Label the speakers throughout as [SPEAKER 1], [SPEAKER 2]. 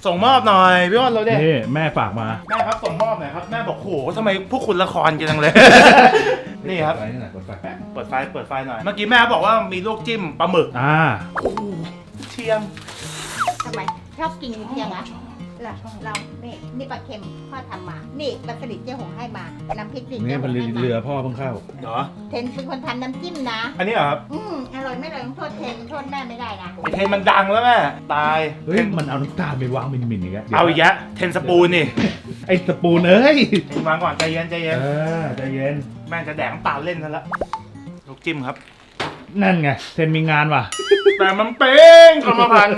[SPEAKER 1] ส่งมอบหน่อยพี่อ้นเราเนี่ย
[SPEAKER 2] นี่แม่ฝากมา
[SPEAKER 1] แม่ครับส่งมอบหน่อยครับแม่บอกโหทำไมพวกคุณละครกันจังเลย นี่ครับ
[SPEAKER 2] ไฟนี่หน่อยกดไฟแป๊บ
[SPEAKER 1] เปิดไฟหน่อยเมื่อกี้แม่บอกว่ามีลวกจิ้มปลาหมึก โอ้โหเชียง
[SPEAKER 3] ทำไมชอบกินเพียงอะเรานี่ปลาเค็มพ่อทำมา นี่ปลาสลิดเจ๊หงให้มา น้ำพริกดิ
[SPEAKER 2] นี่มันเรือพ่อเพิ่งเข้า
[SPEAKER 1] เหรอ
[SPEAKER 3] เทนเป็นคนทำน้ำจิ้มนะ
[SPEAKER 1] อันนี้เหรอครับ
[SPEAKER 3] อร่อยไม่อร่อยต้องโทษเทนโทษแม่ไม่ได้นะ
[SPEAKER 1] ไอเทนมันดังแล้วแม่ตาย
[SPEAKER 2] เฮ้ยมันเอาน้ำตาลไปวางมินอีกแล้ว
[SPEAKER 1] เอาอีกแล้วเทนสปูนนี่
[SPEAKER 2] ไอ้สปูนเอ้ย
[SPEAKER 1] วางก่อนใจเย็นใจเย็น
[SPEAKER 2] ใจเย็น
[SPEAKER 1] แม่งจะแดกน้ำตาลเล่นซะแล้วลูกจิ้มครับ
[SPEAKER 2] นั่นไงเทนมีงานว่ะ
[SPEAKER 1] แต่มันเป้งกรรมพันธุ์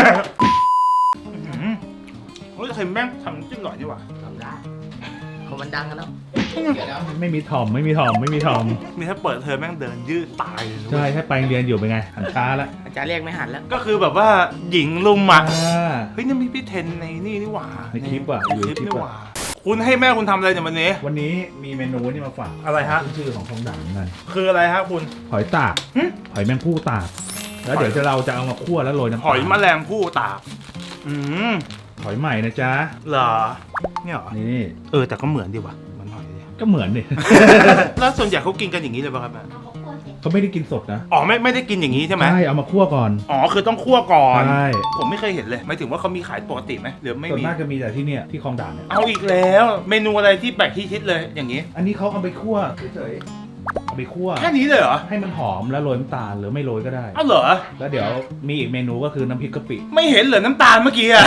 [SPEAKER 1] เฮ้ยเทนแม่งทำน้ำจิ้มอร่อยดีว่ะ
[SPEAKER 4] ทำได้เขามันดังกันแล้ว
[SPEAKER 2] ไม่มีถ่อมไม่มีถ่อมไม่มีถ่อม
[SPEAKER 1] นี่ถ้าเปิดเทอมแม่งเดินยืดตายเลยนะ
[SPEAKER 2] ใช่ถ้าไปเรียนอยู่เป็นไงหันช้าแล้ว
[SPEAKER 4] อาจารย์เรียกไม่หันแล้ว
[SPEAKER 1] ก็คือแบบว่าหญิงลุมอ่ะ
[SPEAKER 2] อ่า
[SPEAKER 1] เฮ้ยนี่มีพี่เทนในนี่หว่า
[SPEAKER 2] ในคลิปอะ
[SPEAKER 1] ใน
[SPEAKER 2] อยู่
[SPEAKER 1] ค
[SPEAKER 2] ใน
[SPEAKER 1] ลิป
[SPEAKER 2] คลิป
[SPEAKER 1] นี่
[SPEAKER 2] อะ
[SPEAKER 1] หว่าคุณให้แม่คุณทำอะไรเนี่ยวันนี้
[SPEAKER 2] วันนี้มีเมนูนี่มาฝาก
[SPEAKER 1] อะไรฮะ
[SPEAKER 2] ชื่อของทองด่างนั่น
[SPEAKER 1] คืออะไรฮะคุณ
[SPEAKER 2] หอยตาก
[SPEAKER 1] หึ
[SPEAKER 2] หอยแมงผู้ตาก แล้วเดี๋ยวเราจะเอามาคั่วแล้วโรยน้ำ
[SPEAKER 1] หอยแมลงผู้ตากม
[SPEAKER 2] หอยใหม่นะจ๊ะ
[SPEAKER 1] เหรอเนี่ยเหรอ
[SPEAKER 2] นี่
[SPEAKER 1] แต่ก็เหมือนดีว่ะเหมือนหอยดิ
[SPEAKER 2] ก็เหมือนดิ
[SPEAKER 1] แล้วส่วนใหญ่เขากินกันอย่างนี้เลยป่ะครับแม่
[SPEAKER 3] เอาข้าวโพดเสร็จ
[SPEAKER 2] เขาไม่ได้กินสดนะ
[SPEAKER 1] อ๋อไม่ได้กินอย่างนี้ใช่ไหม
[SPEAKER 2] ใช่เอามาคั่วก่อน
[SPEAKER 1] อ๋อคือต้องคั่วก่อน
[SPEAKER 2] ใช่
[SPEAKER 1] ผมไม่เคยเห็นเลยหมายถึงว่าเขามีขายปกติไหมหรือไม่
[SPEAKER 2] ส่วน
[SPEAKER 1] มี
[SPEAKER 2] มากจะมีแต่ที่เนี่ยที่คลองด่านเนี่ย
[SPEAKER 1] เอาอีกแล้วเมนูอะไรที่แปลกที่คิดเลยอย่างนี้
[SPEAKER 2] อันนี้เขาเอาไปคั่วเฉยๆเอาไปคั่ว
[SPEAKER 1] แค่นี้เลยเหรอ
[SPEAKER 2] ให้มันหอมแล้วโรยน้ำตาลหรือไม่โรยก็ได้
[SPEAKER 1] เอาเหรอ
[SPEAKER 2] แล้วเดี๋ยวมีอีกเมนูก็คือน้ำพริกกะปิ
[SPEAKER 1] ไม่เห็นเหรอน้ำตาลเมื่อกี้อะ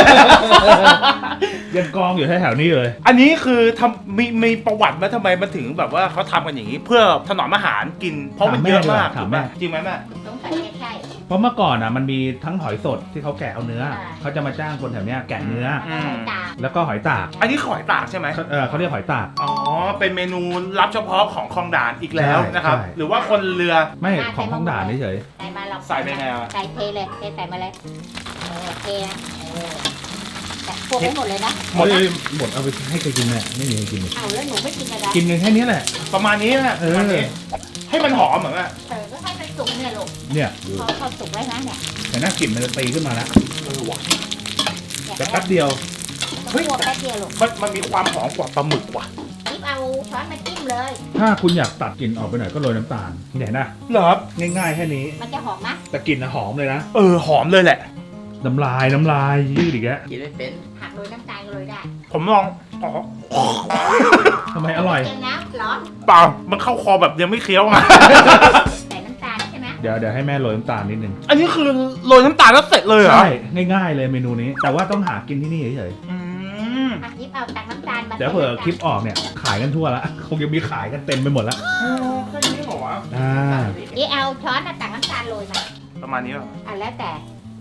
[SPEAKER 2] ยังกองอยู่แถวๆนี้เลย
[SPEAKER 1] อันนี้คือมีประวัติไหมทำไมมันถึงแบบว่าเขาทำกันอย่างนี้ เพื่อถนอมอาหารกิน เพราะมันเยอะมาก
[SPEAKER 2] ถาม
[SPEAKER 1] ถูก
[SPEAKER 2] แม่
[SPEAKER 1] ไหมจริงไหมแม่
[SPEAKER 3] สงสัยใช่
[SPEAKER 2] เพราะเมื่อก่อนอ่ะมันมีทั้งหอยสดที่เขาแกะเอาเนื้อ
[SPEAKER 3] อ่า
[SPEAKER 2] เขาจะมาจ้างคนแถวเนี้ยแกะเนื้อ
[SPEAKER 3] ตา
[SPEAKER 2] แล้วก็หอยตาก
[SPEAKER 1] อันนี้ขอยตากใช่ไหม
[SPEAKER 2] เขาเรียกหอยตาก
[SPEAKER 1] อ๋อเป็นเมนูลับเฉพาะของคลองด่านอีกแล้ว
[SPEAKER 2] ใช่
[SPEAKER 1] นะครับ
[SPEAKER 2] ใช่
[SPEAKER 1] หรือว่าคนเรือ
[SPEAKER 2] ไม่ของท้องด่านเฉย
[SPEAKER 3] ใส่มาเรา
[SPEAKER 1] ใส่ไปไงอะ
[SPEAKER 3] ใส่เทเลยใส่มาเลยเทนะแต่พวกไม่หมดเลยนะ
[SPEAKER 2] ๆหมดหมดเอาไปให้ใครกินเนี่ยไม่มีใครกินเลย
[SPEAKER 3] เอาแล้วหนูไม่กินอะไร
[SPEAKER 2] กินกันแค่นี้แหละ
[SPEAKER 1] ประมาณนี้นะประมาณนี้ ให้มันหอมเหมือนกัน
[SPEAKER 3] ก็ให้มันสุกเนี่ยลูก
[SPEAKER 2] เนี่ยดู
[SPEAKER 3] พอสุกแล้วนะเนี่ย
[SPEAKER 2] แต่หน้ากลิ่นมันจะตีขึ้นมาแล้ว
[SPEAKER 1] ว่ะ
[SPEAKER 2] แต่แป๊บเดียว
[SPEAKER 3] เฮ้ยแป๊บเดียวลูก
[SPEAKER 1] มันมีความหอมกว่าปลาหมึกว่ะ
[SPEAKER 3] นิบเอาช้อนมาจิ้มเลย
[SPEAKER 2] ถ้าคุณอยากตัดกลิ่นออกไปหน่อยก็โรยน้ำตาลเห็นนะ
[SPEAKER 1] เหรอครับ
[SPEAKER 2] ง่ายๆแค่นี้
[SPEAKER 3] มันจะหอมไหม
[SPEAKER 2] แต่กลิ่นอะหอมเลยนะ
[SPEAKER 1] หอมเลยแหละ
[SPEAKER 2] น้ำลายยืดอีกแล้ว
[SPEAKER 4] กินไม่เป็น
[SPEAKER 3] ผักโรยน้ำตาลก็โรยได้
[SPEAKER 1] ผมลองอ๋อ
[SPEAKER 2] ทำไมอร่อย
[SPEAKER 3] เค็มนะร้อน
[SPEAKER 1] เปล่ามันเข้าคอแบบยังไม่เคี้ยวไง
[SPEAKER 3] ใส่น้ำตาลใช่ไหม
[SPEAKER 2] เดี๋ยวให้แม่โรยน้ำตาลนิดนึง
[SPEAKER 1] อันนี้คือโรยน้ำตาลแล้วเสร็จเลยเหรอ
[SPEAKER 2] ใช่ง่ายๆเลยเมนูนี้ แต่ว่าต้องหากินที่นี่เฉย
[SPEAKER 1] อืม
[SPEAKER 3] ผักนิบเอาตักน้ำตาลมา
[SPEAKER 2] ๆเดี๋ยวเผื่อคลิปออกเนี่ยขายกันทั่วละคงจะมีขายกันเต็มไปหมดละ
[SPEAKER 1] แค่นี้เหรอวะ
[SPEAKER 2] อ่า
[SPEAKER 3] นี่เอาช้อนมาตักน้ำตาลโรยมา
[SPEAKER 1] ประมาณนี้ป่ะ
[SPEAKER 3] แล้วแต่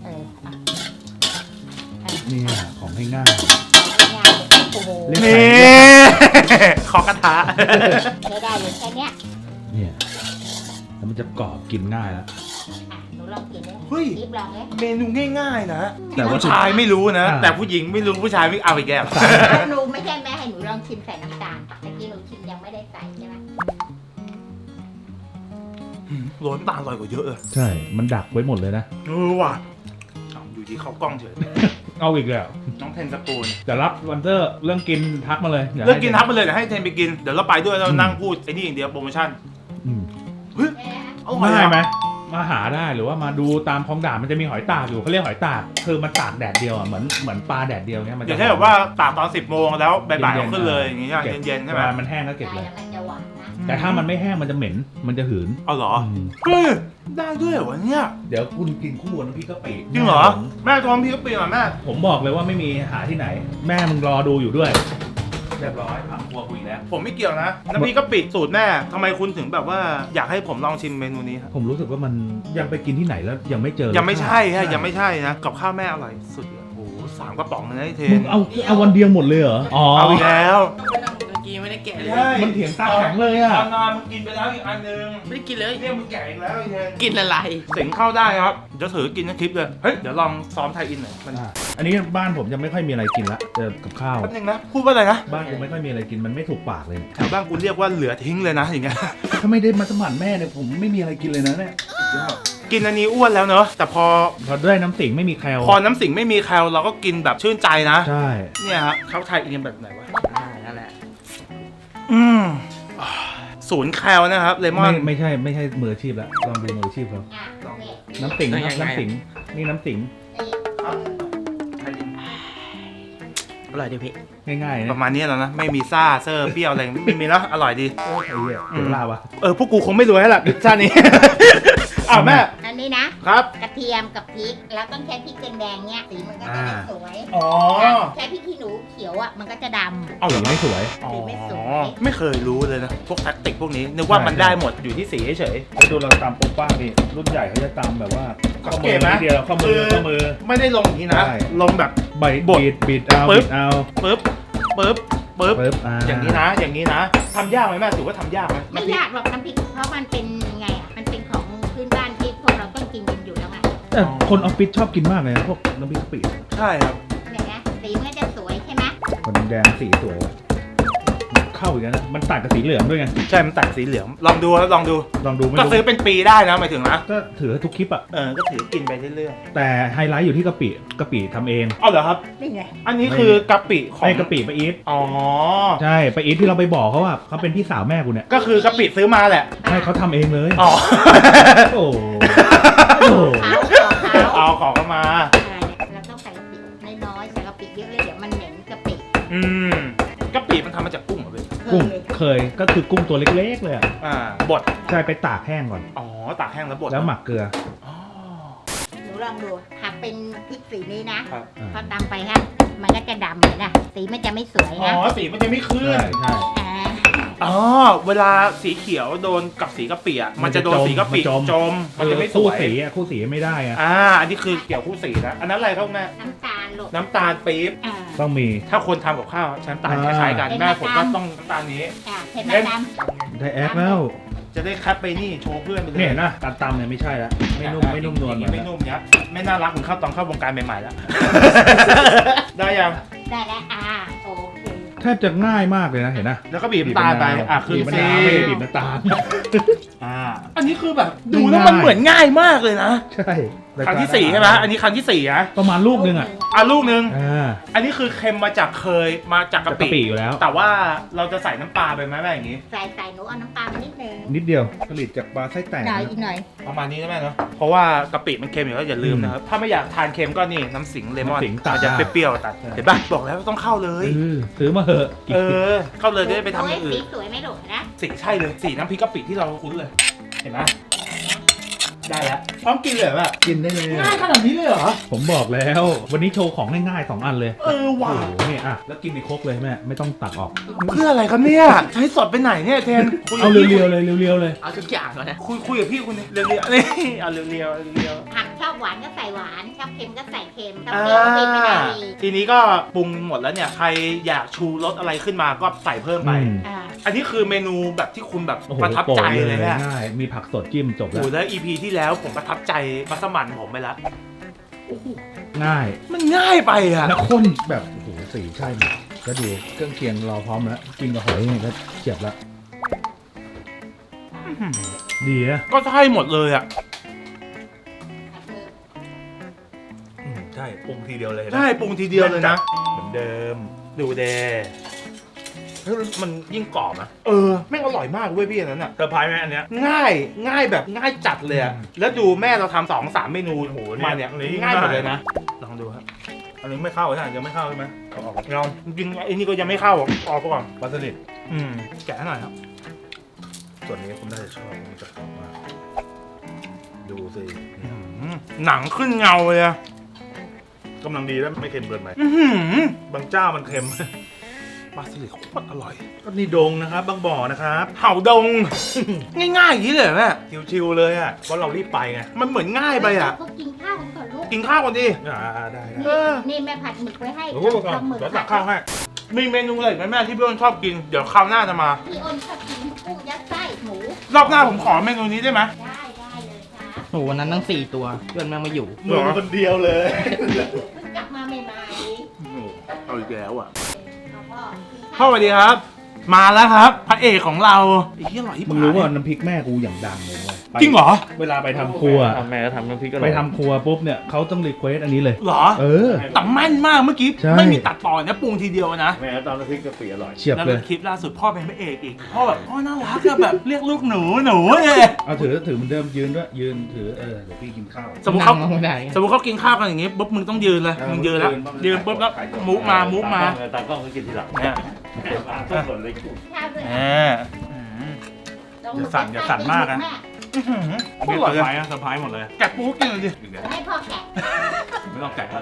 [SPEAKER 3] อ่ะ
[SPEAKER 2] เนี่ยของง่าย
[SPEAKER 3] ง่ายๆโอ้โห
[SPEAKER 2] เล่
[SPEAKER 1] นี่ ขอกระทะ
[SPEAKER 3] ใช้ได้เลยแค่เนี้ย
[SPEAKER 2] ๆเนี่ยแล้วมันจะกรอบกินง่ายแล้ว
[SPEAKER 3] อ่ะหนูลองกินเลย
[SPEAKER 1] เฮ้ย
[SPEAKER 3] นิบลองเลย
[SPEAKER 1] เมนูง่ายๆนะ
[SPEAKER 2] แต่
[SPEAKER 1] ที่
[SPEAKER 2] ว่า
[SPEAKER 1] ผู้ชายไม่รู้นะ
[SPEAKER 2] อ่า
[SPEAKER 1] แต่ผู้หญิงไม่รู้ผู้ชายไม่เอาอีกแก้ว
[SPEAKER 3] หนูไม่ใช่แม่ให้หนูลองชิมใส่น้ำตาลเมื่อกี้หนูชิมยังไม่ได้ใส่ใช่ไหม
[SPEAKER 1] โรยน้ำตาลอร่อยกว่าเยอะเลย
[SPEAKER 2] ใช่ มันดักไว้หมดเลยนะ
[SPEAKER 1] ว่ะเอาอยู่ที่เข้ากล้องเฉย
[SPEAKER 2] เอาอีกแล้ว
[SPEAKER 1] น้องเทนสปูน
[SPEAKER 2] แต่รับวันเตอร์เรื่องกินทักมาเลยดี๋ยว
[SPEAKER 1] เลิกกิน
[SPEAKER 2] ให้
[SPEAKER 1] ทับไปเลยเดี๋ยวให้เทนไปกิน เดี๋ยวเราไปด้วยเรานั่งพูดไอ้นี่อย่างเดียวโปรโมชั่น
[SPEAKER 2] อืม
[SPEAKER 1] เอาหอย
[SPEAKER 2] ง่ายไหม
[SPEAKER 1] อะ
[SPEAKER 2] มาหาได้หรือว่ามาดูตามคลองด่านมันจะมีหอยตากอยู่เขาเรียกหอยตากคือมันตากแดดเดียวอ่ะเหมือนปลาแดดเดียวเนี้ยมัน
[SPEAKER 1] อ
[SPEAKER 2] จะ
[SPEAKER 1] ย่างเช่นแบบว่าตากตอน 10 โมงแล้วบ่ายๆเอาขึ้นเลยอย่างเงี้ย
[SPEAKER 2] เก็บ
[SPEAKER 1] เย็นๆใช่ไหม
[SPEAKER 2] เวลามันแห้งก็เก็บ
[SPEAKER 3] ได้
[SPEAKER 2] เลย
[SPEAKER 3] แล้วมันจะหวานนะ
[SPEAKER 2] แต่ถ้ามันไม่แห้งมันจะเหม็นมันจะหืน
[SPEAKER 1] เอาเหรอ
[SPEAKER 2] ม
[SPEAKER 1] เฮ้ยได้ด้วยเหรอวะเนี่ย
[SPEAKER 2] เดี๋ยวคุณกินคู่กับน้ำพริกกะปิ
[SPEAKER 1] จริงเหรอแม่ทอมพี่ก็เปลี่ยนแม่
[SPEAKER 2] ผมบอกเลยว่าไม่มีหาที่ไหน แม่มึงรอดูอยู่ด้วยเรียบร้อยผักครัวกูอีกแล้ว
[SPEAKER 1] ผมไม่เกี่ยวนะน้ำพริกกะปิสูตรแม่ทำไมคุณถึงแบบว่าอยากให้ผมลองชิมเมนูนี้ครับ
[SPEAKER 2] ผมรู้สึกว่ามันยังไปกินที่ไหนแล้วยังไม่เจอ
[SPEAKER 1] ยังไม่ใช่ฮะยังไม่ใช่นะกับข้าวแม่อร่อยสุดเลยโอ้โห3 กระป๋องเลยนะไอ้เท
[SPEAKER 2] มึ
[SPEAKER 1] น
[SPEAKER 2] งเอาวันเดียวหมดเลยเหรออ๋อ
[SPEAKER 1] เอาอีกแล้ว
[SPEAKER 4] ก็นั่งเมื่อกี้ไม่ได้แกะเลย
[SPEAKER 1] ใช่
[SPEAKER 2] มันเถียงตาแข็งเลยอ่ะ
[SPEAKER 1] ตอนนอนมึงกินไปแล้วอีกอันนึง
[SPEAKER 4] ไม่ได้กินเลย
[SPEAKER 1] เนี่ยมึงแก่อีกแล้วไอ้เทน
[SPEAKER 4] กินอะไร
[SPEAKER 1] สิงเข้าได้ครับจะถือกินทั้งคลิปเลยเฮ้ยเดี๋ยวลองซ้อมไทยอินหน่อยมัน
[SPEAKER 2] อันนี้บ้านผมจะไม่ค่อยมีอะไรกินละเจอกับข้าว
[SPEAKER 1] แป๊บนึงนะพูดว่าอะไรนะ
[SPEAKER 2] บ้านกูไม่ค่อยมีอะไรกินมันไม่ถูกปากเลย
[SPEAKER 1] แถวบ้านกูเรียกว่าเหลือทิ้งเลยนะอย่างเงี้ย
[SPEAKER 2] ถ้าไม่ได้มาสมัครแม่เนี่ยผมไม่มีอะไรกินเลยนะเนี่ย
[SPEAKER 1] กินอันนี้อ้วนแล้วเนอะแต่พอ
[SPEAKER 2] พอได้น้ำสิงไม่มีแคล
[SPEAKER 1] พอน้ำสิงไม่มีแคลเราก็กินแบบชื่นใจนะ
[SPEAKER 2] ใช่
[SPEAKER 1] เนี่ยครับเขาไทยกินแบบไหนวะ
[SPEAKER 4] นั่นแหละ
[SPEAKER 1] อืมศูนย์แคลนะครับเลมอน
[SPEAKER 2] ไม่ใช่มืออาชีพแล้วลองดูมืออาชีพเขา
[SPEAKER 3] อ่ะนี่
[SPEAKER 2] น้ำสิงครับน้ำสิงนี่น้ำสิง
[SPEAKER 3] นี่
[SPEAKER 4] อร่อยดีพี่
[SPEAKER 2] ง่ายๆ
[SPEAKER 1] ป
[SPEAKER 2] นะ
[SPEAKER 1] ระมาณนี้แล้วนะไม่มีซ่าเซอร์เปรี้ยวอะไรไม่มีแล้วอร่อยดี
[SPEAKER 2] ไอ้เหี้ยเดี๋ยวลาวะ
[SPEAKER 1] พวกกูคงไม่รวยแล้วล่ะชาตินี้ อ้าวแม่
[SPEAKER 3] อันนี้นะครับ กระเทียมกับพริกแล้วต้องใช้พริกแดงๆเนี่ยสีมันก็จะได้สวย
[SPEAKER 1] อ๋อ
[SPEAKER 3] ใช้พริกขี้หนูเขียวอ่ะมันก็จะดำ
[SPEAKER 1] เอาเหร
[SPEAKER 2] สี
[SPEAKER 1] อ
[SPEAKER 2] ไม่สวย
[SPEAKER 1] อ๋อ
[SPEAKER 3] สีไม่สวย
[SPEAKER 1] ไม่เคยรู้เลยนะพวกแท็กติกพวกนี้นึกว่ามันได้หมดอยู่ที่สีเฉย
[SPEAKER 2] แล้วดูเราตามโป๊ป้าดิรุ่นใหญ่เขาจะตามแบบว่า
[SPEAKER 1] สังเกตไหม
[SPEAKER 2] เดียวข้อมือข้อมือ
[SPEAKER 1] ไม่ได้ลงอย่างนี้นะ
[SPEAKER 2] ใช่
[SPEAKER 1] ลงแบบ
[SPEAKER 2] ใบ
[SPEAKER 1] บบ ด
[SPEAKER 2] ดบิดเอา
[SPEAKER 1] ปึ๊
[SPEAKER 2] บิ
[SPEAKER 1] บ
[SPEAKER 2] ดเอา
[SPEAKER 1] ปึ๊บปึ๊บปึ๊บ
[SPEAKER 2] ปึ๊บ
[SPEAKER 1] อย่างนี้นะอย่างนี้นะทำยากไหมแม่ถือว่าทำยากไหม
[SPEAKER 3] ไม่ยากหรอกน้ำพริกเพราะมันเป็นไงอ่ะมันเป็นของพื้นบ้านที่พวกเราต้องกินกันอยู่แล้วไง
[SPEAKER 2] แต่คนออฟฟิศชอบกินมากเลยนะพวกน้ำพริกกะปิ
[SPEAKER 1] ใช่ครับ
[SPEAKER 3] เนี่ยนะสีมันก็จะสวยใช่ไหม
[SPEAKER 2] คนแดงสีสวยว่ะเข้าอีกแล้วนะมันตัดกับสีเหลืองด้วยไง
[SPEAKER 1] ใช่มันตัดสีเหลืองลองดูครับลองดู
[SPEAKER 2] ลองดูไม่
[SPEAKER 1] ก็
[SPEAKER 2] รู้
[SPEAKER 1] ซื้อเป็นปีได้นะหมายถึงนะ
[SPEAKER 2] ก็ถือทุกคลิปอ่ะ
[SPEAKER 1] ก็ถือกินไปเรื่อย
[SPEAKER 2] แต่ไฮไลท์อยู่ที่กะปิทำเอง
[SPEAKER 1] ๆเอาเหรอครับ
[SPEAKER 3] นี่ไง
[SPEAKER 1] อันนี้คือกะปิของ
[SPEAKER 2] ไอ้กะปิป้าอีท
[SPEAKER 1] อ๋อ
[SPEAKER 2] ใช่ป้าอีทที่เราไปบอกเขาว่าเขาเป็นพี่สาวแม่กูเนี่ย
[SPEAKER 1] ก็คือกะปิซื้อมาแหละ
[SPEAKER 2] ใช่เขาทำเองเลย
[SPEAKER 1] อ๋อ
[SPEAKER 2] โอ้โห
[SPEAKER 3] เขา
[SPEAKER 1] เอาของเข้ามา
[SPEAKER 3] เราต้องใส่กะปิน้อยๆใส่กะปิเยอะเลยเดี๋ยวมันเหม็นกะปิ
[SPEAKER 1] อืมกะปิมันทำมาจากกุ้งเหรอพี่
[SPEAKER 2] กุ้งเคยก็คือกุ้งตัวเล็กๆเลยอะ
[SPEAKER 1] บด
[SPEAKER 2] ใช่ไปตากแห้งก่อน
[SPEAKER 1] อ๋อตากแห้งแล้วบด
[SPEAKER 2] แล้วหมักเกลือ
[SPEAKER 1] อ๋อ
[SPEAKER 3] หนูลองดูหากเป็นพริกสีนี้นะครับ
[SPEAKER 2] อ่า
[SPEAKER 3] พอตำไปฮะมันก็จะดำเลยนะสีมันจะไม่สวย
[SPEAKER 1] อ๋อ
[SPEAKER 3] นะ
[SPEAKER 1] สีมันจะไม่ขึ้น
[SPEAKER 2] ใช่ใช่
[SPEAKER 3] อ่า
[SPEAKER 1] อ๋อเวลาสีเขียวโดนกับสีกะปิอ่ะมันจะโดนสีกะปิจมมันจะไม่ส
[SPEAKER 2] คู่
[SPEAKER 1] วย
[SPEAKER 2] สีอะคู่สีไม่ได้อะ
[SPEAKER 1] อันนี้คือเกี่ยวคู่สีนะอันนั้นอะไรครับแม่
[SPEAKER 3] น้ำตาลลูก
[SPEAKER 1] น้ำตาลปี๊บ
[SPEAKER 3] อ่า
[SPEAKER 2] ต้องมี
[SPEAKER 1] ถ้าคนทำกับข้าวใช้น้ำตาลคล้ายๆกัน
[SPEAKER 3] เป็น
[SPEAKER 1] แม่ผมก็
[SPEAKER 3] น้ำตาล
[SPEAKER 1] ต้องน้ำตาลนี้
[SPEAKER 3] เห็นไหมดำ
[SPEAKER 2] ได้แอคแล้ว
[SPEAKER 1] จะได้แคปไปนี่โชว์เพื่อนไปเลย
[SPEAKER 2] เนี่ยเห็นะการตำเนี่ยไม่ใช่ละไม่นุ่มนวล
[SPEAKER 1] อย่าง
[SPEAKER 2] เหมือน
[SPEAKER 1] ไม่นุ่มเนี้ยไม่น่ารักเหมือนเข้าตอนเข้าวงการใหม่ๆแล้ว ได้ยัง
[SPEAKER 3] ได้แล้วโอเค
[SPEAKER 2] แทบจะง่ายมากเลยนะเห็นนะ
[SPEAKER 1] แล้วก็บีบน้ำตาลไปขึ้น
[SPEAKER 2] บีบมะ
[SPEAKER 1] สี
[SPEAKER 2] นาวไม่ได้บีบน้ำตาล
[SPEAKER 1] อันนี้คือแบบดูแล้วมันเหมือนง่ายมากเลยนะ
[SPEAKER 2] ใช่
[SPEAKER 1] ครั้งที่สี่ใช่ไหมอันนี้ครั้งที่สี่นะ
[SPEAKER 2] ประมาณลูกนึงอ่ะ
[SPEAKER 1] ลูกนึง
[SPEAKER 2] อ่า
[SPEAKER 1] อันนี้คือเค็มมาจากมาจากกะ
[SPEAKER 2] กะ
[SPEAKER 1] ปิ
[SPEAKER 2] ปิอยู่แล้ว
[SPEAKER 1] แต่ว่าเราจะใส่น้ำปลาไปไหมแม่อย่างนี้
[SPEAKER 3] ใส่หนูเอาน้ำตาลมานิดนึง
[SPEAKER 2] นิดเดียวผลิตจากปลาไส้แตก
[SPEAKER 3] หน่อยอีกหน่อย
[SPEAKER 1] ประมาณนี้นะแม่เนาะเพราะว่ากะปิมันเค็มอยู่แล้วอย่าลืมนะครับ ถ้าไม่อยากทานเค็มก็นี่น้ำสิงเลมอน
[SPEAKER 2] น้ำสิงตัด
[SPEAKER 1] มันจะ
[SPEAKER 2] ได้
[SPEAKER 1] เปรี้ยวๆตัดเห็นป่ะบอกแล้วต้องเข้าเลย
[SPEAKER 2] ซื้อมาเหอะ
[SPEAKER 1] เข้าเลยจะได้ไปทำอย่างอื่
[SPEAKER 3] สี
[SPEAKER 1] น
[SPEAKER 3] สวยไหมลูกนะ
[SPEAKER 1] สีใช่เลยสีน้ำพริกกะปิที่เราคุ้นเลย เห็นไหมได้แล้วพร้อมกินเลยแบบ
[SPEAKER 2] กินได้เลย
[SPEAKER 1] ง่ายขนาดนี้เลยเหรอ
[SPEAKER 2] ผมบอกแล้ว วันนี้โชว์ของง่ายๆ2 อันเลย
[SPEAKER 1] โอ้
[SPEAKER 2] โอ้
[SPEAKER 1] ว้า
[SPEAKER 2] โหนี่อ่ะแล้วกินในครกเลยแม่ไม่ต้องตักออก
[SPEAKER 1] เพื่ออะไรครับเนี่ยใช้สดไปไหนเนี่ยเทนคุย
[SPEAKER 2] เอา
[SPEAKER 1] กับพี่
[SPEAKER 2] เรียวๆเลยเรียวๆเลย
[SPEAKER 4] เอาทุกอย่างก่อนนะ
[SPEAKER 1] คุยกับพี่คุณเรียวๆนี่เอาเรียวๆ
[SPEAKER 3] ผักชอบหวานก็ใส่หวานชอบเค็มก็ใส่เค็มชอบ
[SPEAKER 1] อ่า
[SPEAKER 3] เปรี้ยวก็เป็นไม่ได้
[SPEAKER 1] ทีนี้ก็ปรุงหมดแล้วเนี่ย ใครอยากชูรสอะไรขึ้นมาก็ใส่เพิ่มไป
[SPEAKER 3] อ่า
[SPEAKER 1] อันนี้คือเมนูแบบที่คุณแบบ
[SPEAKER 2] โอ้โห
[SPEAKER 1] ประทับใจเลยเนี่ย
[SPEAKER 2] ง่ายมีผักสดจิ้มจบ
[SPEAKER 1] โอ้
[SPEAKER 2] แล้ว
[SPEAKER 1] โหแล้ว EP ที่แล้วผมประทับใจมัสมั่นผมไปแล้ว
[SPEAKER 2] ง่าย
[SPEAKER 1] มันง่ายไปอ่ะ
[SPEAKER 2] แล้วข้นแบบโอ้โหสีใช่หมดก็ดูเครื่องเคียงรอพร้อมแล้วกินกับหอยนี่ก็เฉียบแล้วดีอะ
[SPEAKER 1] ก็ใช่หมดเลยอ่ะ
[SPEAKER 2] ใช่ปรุงทีเดียวเลยนะ
[SPEAKER 1] ใช่ปรุงทีเดียวเลยนะ
[SPEAKER 2] เหมือนเดิม
[SPEAKER 1] ดูเดเฮ้ยมันยิ่งกรอบนะแม่งอร่อยมากเว้ยพี่อันนั้นอ่ะ
[SPEAKER 2] เซอร์ไพรส์ไหมอันเนี้ย
[SPEAKER 1] ง่ายแบบง่ายจัดเลยอ่ะ แล้วดูแม่เราทำ2-3 เมนูโอ้โหมาเนี่ย
[SPEAKER 2] อันนี้
[SPEAKER 1] ง่ายหมดเลย
[SPEAKER 2] ง่าย
[SPEAKER 1] นะ ลองดูครับ
[SPEAKER 2] อันนี้ไม่เข้าใช่ไหมยังไม่เข้าใช่ไหมเอาออก
[SPEAKER 1] ลองจริงๆไอ้นี่ก็ยังไม่เข้าออกก่อน
[SPEAKER 2] ปลาสลิด
[SPEAKER 1] แกะให้หน่อยครับ
[SPEAKER 2] ส่วนนี้คุณน่าจะชอบมันจะกรอบมากดูสิ
[SPEAKER 1] หนังขึ้นเงาเลยอะ
[SPEAKER 2] กำลังดีแล้วไม่เค็มเกินไป
[SPEAKER 1] อื้อหือบ
[SPEAKER 2] างเจ้ามันเค็ม
[SPEAKER 1] ปลาสลิดโคตรอร่อย
[SPEAKER 2] ก็นี่ดงนะครับ บางบ่อนะครับ
[SPEAKER 1] เห่าดง ง่ายๆอย่างนี้เลยเหรอแม่
[SPEAKER 2] ชิวๆเลยอ่ะเพราะเรารีบไปไง
[SPEAKER 1] มันเหมือนง่ายไปอ่ะ
[SPEAKER 3] เขากินข้าวกันก่อนลูก
[SPEAKER 1] กินข้าวก่อนดิ
[SPEAKER 2] ได้
[SPEAKER 3] นี่แม่ผัดหมึกไว้ให้
[SPEAKER 2] โอ้โห
[SPEAKER 3] ทำหมึก
[SPEAKER 2] เดี๋ยวตักข้าวให้
[SPEAKER 1] มีเมนูอะไรอีกไหมแม่ที่พี่อ้นชอบกิน เดี๋ยวคราวหน้าจะมา
[SPEAKER 3] พี่อ้นชอบกินกุ้งยัดไส้หมู
[SPEAKER 1] รอบหน้าผมขอเมนูนี้ได้ไหม
[SPEAKER 3] ได้เลยครับ
[SPEAKER 4] โอ้วันนั้นทั้ง4 ตัวเพื่อนแม่งมาอยู่
[SPEAKER 2] มึงคนเดียวเลย
[SPEAKER 3] เพิ่งกลับมาใหม่ๆ
[SPEAKER 1] เอาอีกแล้วอ่ะ
[SPEAKER 3] เอาพ่อกิน
[SPEAKER 1] พ่อ
[SPEAKER 3] ข้าว
[SPEAKER 1] สวัสดีครับ มาแล้วครับ พระเอกของเราไอ้ที่อร่อยที่
[SPEAKER 2] มึงรู้ว่าน้ำพริกแม่กูอย่างดังเลยเว้ย
[SPEAKER 1] จริงเหรอ
[SPEAKER 2] เวลาไปทำครัว
[SPEAKER 5] แม่ก็ทำน้ำพริกอร่
[SPEAKER 2] ไป
[SPEAKER 5] อย
[SPEAKER 2] ทำครัวปุ๊บเนี่ยเขาต้องรีเควสอันนี้เลย
[SPEAKER 1] เหรอ
[SPEAKER 2] เออ
[SPEAKER 1] แต่แม่นมากเมื่อกี้
[SPEAKER 2] ใช่
[SPEAKER 1] ไม่มีตัดต่อนะปรุงทีเดียวนะ
[SPEAKER 5] แม่ก็ทำน้ำพริกกะปิอร่อย
[SPEAKER 2] เฉียบ
[SPEAKER 1] แล้ว
[SPEAKER 2] เลย
[SPEAKER 1] คลิปล่าสุดพ่อเป็นพระเอกอีกพ่อแบบพ่อน่ารักอะแบบเรียกลูกหนูเลย
[SPEAKER 2] เอาถือเหมือนเดิมยืนด้วยยืนถือเดี๋ยวพี่กินข้าว
[SPEAKER 1] สมมติเขา
[SPEAKER 4] นั่งไม่ได้
[SPEAKER 1] สมมติเขากินข้าวกันอย่างงี้ปุ๊บมึงต้องยืนเลยมึงยืนแล้วยืนปุ๊บแล้วมุกมา
[SPEAKER 5] ตากล้องก็กินทีหลัง
[SPEAKER 1] เนี่ย
[SPEAKER 5] ต้นสนเลย
[SPEAKER 3] ข้าวด้วย
[SPEAKER 1] แหม
[SPEAKER 3] ลง
[SPEAKER 2] อย่าสั่นมากนะ
[SPEAKER 1] อร่อยเลย
[SPEAKER 2] เซอร์ไพรส์หมดเลย
[SPEAKER 1] แกะปูกินเลยดิ
[SPEAKER 3] ให้พ่อแกะ
[SPEAKER 2] ไม่ต้องแกะแล้ว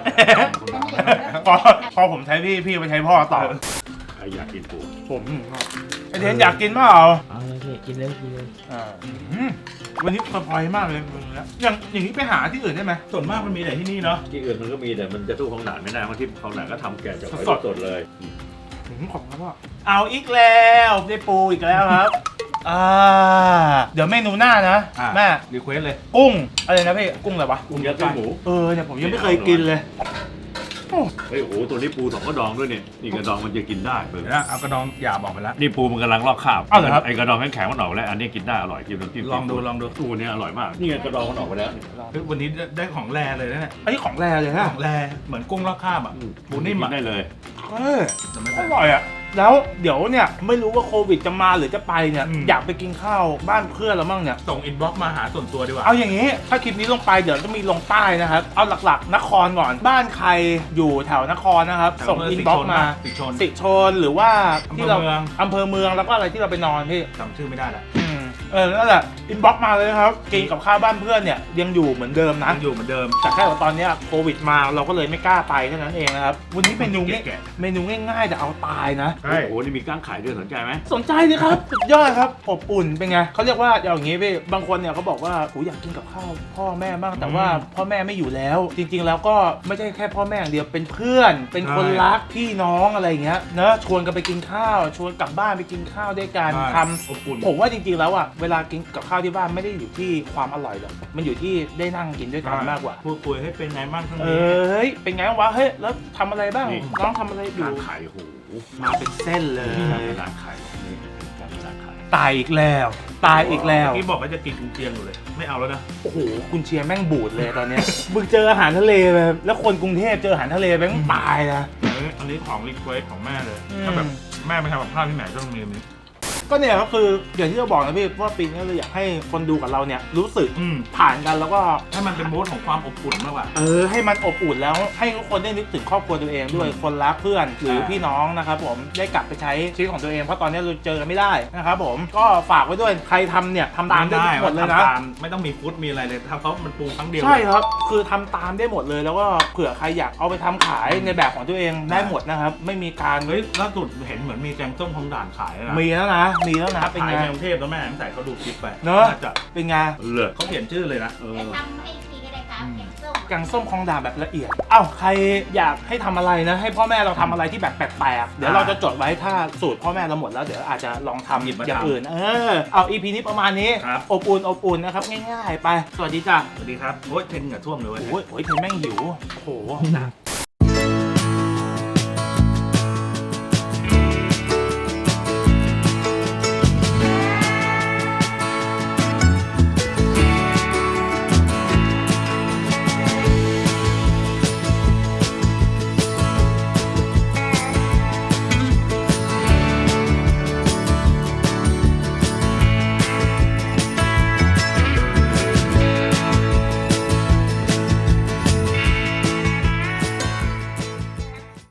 [SPEAKER 1] พอผมใช้พี่ไปใช้พ่อต่อ
[SPEAKER 5] ใครอยากกินปู
[SPEAKER 1] ผมไอเทนอยากกินเปล่า
[SPEAKER 4] เอาเลยพี่กินเลยกินเลย
[SPEAKER 1] วันนี้สบายมากเลยอย่างนี้ไปหาที่อื่นได้ไหม
[SPEAKER 2] ส่วนมากมันมีแต่ที่นี่เนาะ
[SPEAKER 5] ที่อื่นมันก็มีแต่มันจะสู้ของด่านไม่ได้บางที่ของด่านก็ทำแกะจากหอยสดเลย
[SPEAKER 1] ขอบคุณพ่อเอาอีกแล้วได้ปูอีกแล้วครับเดี๋ยวเมนูหน้านะแม่
[SPEAKER 2] รีเควสเลย
[SPEAKER 1] กุ้งอะไรนะพี่กุ้งอะไรวะ
[SPEAKER 5] กุ้งยัดไส้หมู
[SPEAKER 1] เนี่ยผมยังไม่เคยกินเลย
[SPEAKER 5] เฮ้ยโอ้โหตัวนี้ปูสองกระดองด้วยเนี่ยนี่กระดองมันจะกินได้เปิด
[SPEAKER 2] เดี๋ยวนะเอากระดองหยาบออกไปแล้ว
[SPEAKER 5] นี่ปูมันกำลังลอกคราบ
[SPEAKER 1] อ้าวเหรอครับ
[SPEAKER 5] ไอ้กระดองแข็งๆมันออกแล้วอันนี้กินได้อร่อยกินน้ำจิ้ม
[SPEAKER 2] ลองดู
[SPEAKER 5] ปูเนี่ยอร่อยมากนี่ไงกระดองมันออกไปแล้ว
[SPEAKER 2] เฮ้ยวันนี้ได้ของแรเลยนะเนี่ย
[SPEAKER 1] อันนี้ของแรเลยฮะ
[SPEAKER 2] ของแรเหมือนกุ้งลอกคราบอ่ะปูนิ่ม
[SPEAKER 5] กิ
[SPEAKER 2] อ่ะ
[SPEAKER 5] นได้เลย
[SPEAKER 2] แต่ไม่
[SPEAKER 1] อ
[SPEAKER 2] เป็นไร
[SPEAKER 1] ร่อยอ่ะแล้วเดี๋ยวเนี่ยไม่รู้ว่าโควิดจะมาหรือจะไปเนี่ย อยากไปกินข้าวบ้านเพื่อนเราบ้างเนี่ย
[SPEAKER 2] ส่งอินบ็อกซ์มาหาส่วนตัวดีกว่า
[SPEAKER 1] เอาอย่างนี้ถ้าคลิปนี้ลงไปเดี๋ยวจะมีลงใต้นะครับเอาหลักๆนครก่อนบ้านใครอยู่แถวนครนะครับส่งอินบ็อกซ์มา
[SPEAKER 2] สิชน
[SPEAKER 1] สิชนหรือว่าที่เรา
[SPEAKER 2] อำเภอเมือง
[SPEAKER 1] อำเภอเมืองแล้วก็อะไรที่เราไปนอนพี่
[SPEAKER 2] จำชื่อไม่ได้ละ
[SPEAKER 1] นั่นแหละอินบ็อกซ์มาเลยนะครับกินกับข้าวบ้านเพื่อนเนี่ยยังอยู่เหมือนเดิมนะ
[SPEAKER 2] ยังอยู่เหมือนเดิม
[SPEAKER 1] แต่แค่ว่าตอนเนี้ยโควิดมาเราก็เลยไม่กล้าไปเท่านั้นเองนะครับวันนี้เมนูง่าย
[SPEAKER 2] แกะ
[SPEAKER 1] เมนูง่ายๆแต่เอาตายนะ
[SPEAKER 2] ใช่
[SPEAKER 5] โอ้โหนี่มีก้างขายด้วยสนใจไหม
[SPEAKER 1] สนใจเลยครับ สุดยอดครับอบอุ่นเป็นไงเขาเรียกว่าอย่างงี้พี่บางคนเนี่ยเขาบอกว่าโหอยากกินกับข้าวพ่อแม่บ้างแต่ว่าพ่อแม่ไม่อยู่แล้ว จริงๆแล้วก็ไม่ใช่แค่พ่อแม่อย่างเดียวเป็นเพื่อน เป็นคนรักพี่น้องอะไรอย่างเงี้ยเนอะชวนกันไปกินข้าวชวนกลับบ้านไปกินข้าวด้วยกันทำ
[SPEAKER 2] อบอุ่น
[SPEAKER 1] ผมว่าจริงๆแล้วอ่ะเวลากินกับข้าวที่บ้านไม่ได้อยู่ที่ความอร่อยหรอกมันอยู่ที่ได้นั่งกินด้วยกันมากกว่า
[SPEAKER 2] พูดคุยให้เป็นไงบ้างทั้ง
[SPEAKER 1] เอ
[SPEAKER 2] นี้
[SPEAKER 1] ้ยเป็นไงวะเฮ้ยแล้วทำอะไรบ้างน้องทำอะไรอยู่
[SPEAKER 5] ก้างขายโอ้โห
[SPEAKER 1] มาเป็นเส้นเลย
[SPEAKER 5] ก้างขายนี่ก้างขาย
[SPEAKER 1] ตายอีกแล้วตายอีกแล้ว
[SPEAKER 2] เมื่อกี้บอกว่าจะกินกุนเชียงอยู่เลย ไม่เอาแล้วนะ
[SPEAKER 1] โอ้โหกุนเชียงแม่งบูดเลยตอนเนี้ย มึงเจออาหารทะเลไปแล้วคนกรุงเทพเจออาหารทะเลแม่งตายนะ
[SPEAKER 2] อันนี้ของรีเควสของแม่เลย
[SPEAKER 1] อืม
[SPEAKER 2] ถ้าแบบแม่ไปทำกับข้าวที่ไหนต้องมีอันนี้
[SPEAKER 1] ก็เนี่ยก็คืออย่างที่เราบอกนะพี่ว่าปีนี้เราอยากให้คนดูกับเราเนี่ยรู้สึก
[SPEAKER 2] อืม
[SPEAKER 1] ผ่านกันแล้วก็
[SPEAKER 2] ให้มันเป็นมูดของความอบอุ่นมากกว่า
[SPEAKER 1] ให้มันอบอุ่นแล้วให้ทุกคนได้นึกถึงครอบครัวตัวเองด้วยคนรักเพื่อนหรือพี่น้องนะครับผมได้กลับไปใช้ชีวิตของตัวเองเพราะตอนนี้เราเจอกันไม่ได้นะครับผมก็ฝากไว้ด้วยใครทำเนี่ยทำตามได้หมดเลยนะ
[SPEAKER 2] ทำตามไม่ต้องมีฟุตมีอะไรเลยทำเขามันปรุงครั้งเดียว
[SPEAKER 1] ใช่ครับคือทำตามได้หมดเลยแล้วก็เผื่อใครอยากเอาไปทำขายในแบบของตัวเองได้หมดนะครับไม่มีการ
[SPEAKER 2] เฮ้ยล่าสุดเห็นเหมือนมีแกงส้มของด่านขายนะ
[SPEAKER 1] มีแล้วนะเป็น
[SPEAKER 2] ขาย
[SPEAKER 1] ไง
[SPEAKER 2] ในกรุงเทพแล้วแม่ตั้งแต่เขาดูคลิปไป
[SPEAKER 1] เนอะ
[SPEAKER 2] จะ
[SPEAKER 1] เป็นไง
[SPEAKER 5] เลิศ
[SPEAKER 2] เขาเขียนชื่อเลยนะ
[SPEAKER 3] จะทำให้ทีก็ได้ครับแกงส้ม
[SPEAKER 1] แกงส้มคลองด่านแบบละเอียดเอ้าใครอยากให้ทำอะไรนะ ให้พ่อแม่เราทำอะไรที่แบบแปลกๆเดี๋ยวเราจะจดไว้ถ้าสูตรพ่อแม่เราหมดแล้วเดี๋ยวอาจจะลองทำอย่างอื่นเอา EP นี้ประมาณนี้
[SPEAKER 2] ครับ
[SPEAKER 1] อบอุ่นนะครับง่ายๆไปสวัสดีจ้ะ
[SPEAKER 2] สวัสดีครับโอ้ยเทนเหงื่อท่วมเลยเว้ย
[SPEAKER 1] โอ้ยเทนแม่งหิวโอ้โห
[SPEAKER 4] หนัก